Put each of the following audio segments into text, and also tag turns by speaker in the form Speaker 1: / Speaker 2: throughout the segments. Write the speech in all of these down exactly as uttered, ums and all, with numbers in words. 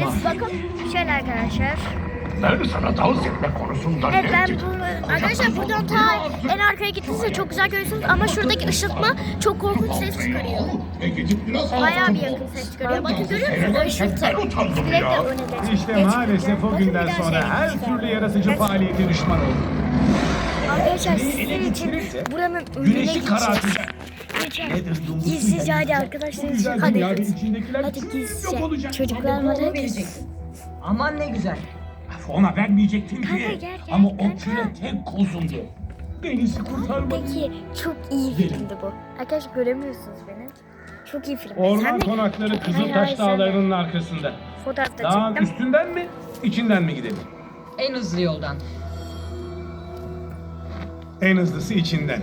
Speaker 1: Biz bakın şöyle arkadaşlar.
Speaker 2: Ben sana dans etme konusunda
Speaker 1: Evet ben
Speaker 2: ne
Speaker 1: bu, arkadaşlar buradan ta en arkaya gittiğinizde çok güzel görüyorsunuz ama şuradaki ışıltma çok korkunç ses çıkarıyor.
Speaker 2: E gidip biraz
Speaker 1: Bayağı bir yakın ses çıkarıyor. Bakın görüyor musunuz o ışıltı?
Speaker 2: Ben utandım
Speaker 1: Direkt
Speaker 2: ya.
Speaker 1: öne geç.
Speaker 3: İşte
Speaker 1: geç
Speaker 3: maalesef
Speaker 1: gidiyor.
Speaker 3: o
Speaker 1: Bakın
Speaker 3: günden
Speaker 1: bir daha
Speaker 3: sonra
Speaker 1: şey
Speaker 3: her
Speaker 1: yapacağım.
Speaker 3: türlü yaratıcı faaliyete düşman olduk.
Speaker 1: Arkadaşlar
Speaker 3: Ele
Speaker 1: sizin için
Speaker 3: geçirirse
Speaker 1: buranın önüne
Speaker 3: Güneşi
Speaker 1: geçeceğiz.
Speaker 3: karartacak.
Speaker 1: Geçelim.
Speaker 3: Nedir dumbusu
Speaker 1: Gizlice
Speaker 3: yani?
Speaker 1: hadi arkadaşlar.
Speaker 3: Güzel
Speaker 1: Hadi
Speaker 3: dünyada
Speaker 1: kız.
Speaker 3: içindekiler
Speaker 1: Hadi
Speaker 3: tüm yok
Speaker 1: gizlice.
Speaker 3: olacak.
Speaker 1: Çocuklar var hadi.
Speaker 4: Aman ne güzel.
Speaker 3: Ona vermeyecektin
Speaker 1: Kanka,
Speaker 3: ki.
Speaker 1: gel, gel,
Speaker 3: Ama o
Speaker 1: kanka.
Speaker 3: küre tek kozundu. Denizi kurtarmadı.
Speaker 1: Peki çok iyi filmdi bu. Arkadaşlar göremiyorsunuz beni. Çok iyi film. Sen
Speaker 3: Orman
Speaker 1: de-
Speaker 3: konakları
Speaker 1: Hayır,
Speaker 3: Kızıltaş
Speaker 1: hayır, sen de.
Speaker 3: Dağları'nın arkasında.
Speaker 1: Fotoğrafta
Speaker 3: Dağın
Speaker 1: çektim.
Speaker 3: üstünden mi, içinden mi gidelim?
Speaker 4: En hızlı yoldan.
Speaker 3: En hızlısı içinden.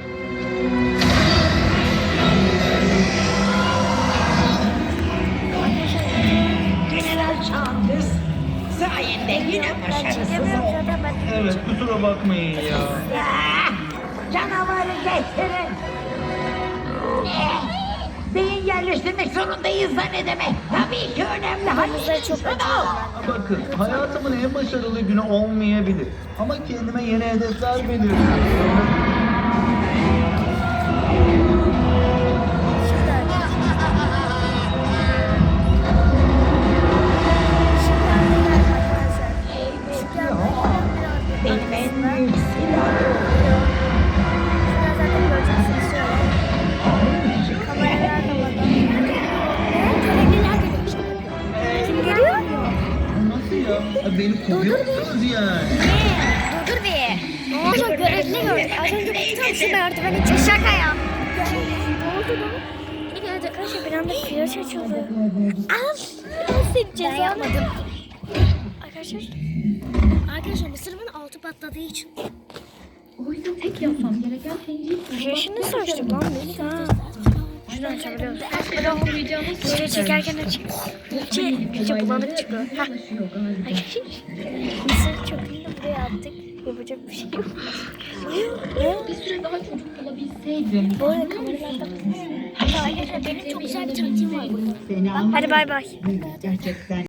Speaker 5: General Chalmers sayende yine
Speaker 1: Ben
Speaker 5: başarısız
Speaker 1: çekemiyorum
Speaker 5: oldum.
Speaker 1: zaten ben.
Speaker 3: Evet, kusura bakmayın ya.
Speaker 5: Ah, canavarı getirin. Eh, beyin yerleştirmek zorundayız da ne demek? Tabii ki önemli. Hadi
Speaker 1: Kırmızıları çok
Speaker 5: şunu.
Speaker 1: acıyorum ben.
Speaker 6: Bakın, hayatımın en başarılı günü olmayabilir. Ama kendime yeni hedefler belirliyorum.
Speaker 5: Benim en büyük silahım.
Speaker 1: Kim geliyor?
Speaker 6: Nasıl ya? Ha, Beni kovuyorsunuz yani.
Speaker 1: Dur dur bir. Oğlum görevli gördük. Az önce baktım şu merdiveni için şaka ya. Ne oldu lan? Evet arkadaşlar bir anda flash açıldı. Al. Ben seni ceza yapmadım. Arkadaşlar. Arkadaşlar mısırımın altı patladığı için.
Speaker 7: Oyunda tek yapmam gereken şey
Speaker 1: Flaşını saçtık lan biz. Ha. Şunu açabiliyoruz. Video çekerken açık. İyice, iyice bulanık çıkıyor. Ha. Arkadaşlar. Mısır çöpünü de buraya attık. Yapacak bir şey yok.
Speaker 7: bir süre daha çocuk bulabilseydim.
Speaker 1: Bu arada kameralarda Arkadaşlar benim çok güzel bir taktiğim var burada.
Speaker 5: Seni
Speaker 1: Hadi bay bay.
Speaker 5: gerçekten